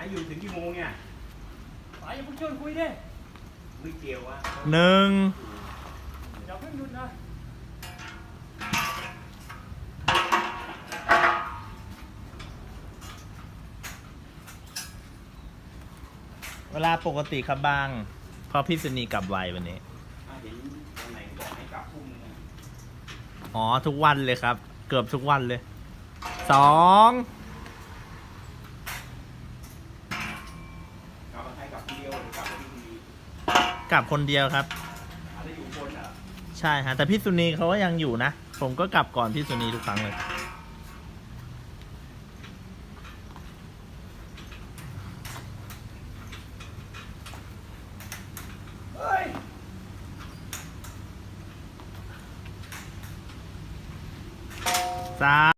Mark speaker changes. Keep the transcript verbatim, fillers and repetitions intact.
Speaker 1: ายอยู่ถึงกี่โมงเนี่ย
Speaker 2: ป๋าอย่าเพิ่งชวนคุยดิ
Speaker 1: ไม่เกี่ยวอะ
Speaker 3: หนึ่ง
Speaker 2: อย่าเพิ่งหยุดนะ
Speaker 3: เวลาปกติครับบางเพราะพี่สุนีกลับไววันนี้
Speaker 1: อ่ะเห็นตรงไหนบอกให้กลับทุ่มนึงอะ
Speaker 3: อ๋อทุกวันเลยครับ เกือบทุกวันเลยสอง
Speaker 1: กลับมาให้กลับทีเดียวหรือกลับมาที่ที
Speaker 3: กลับคนเดียวครับ
Speaker 1: อะไรอยู่บนเหรอ
Speaker 3: ใช่ฮะแต่พี่สุนีเขาก็ยังอยู่นะ ผมก็กลับก่อนพี่สุนีทุกครั้งเลย
Speaker 1: เฮ้ย
Speaker 3: สาม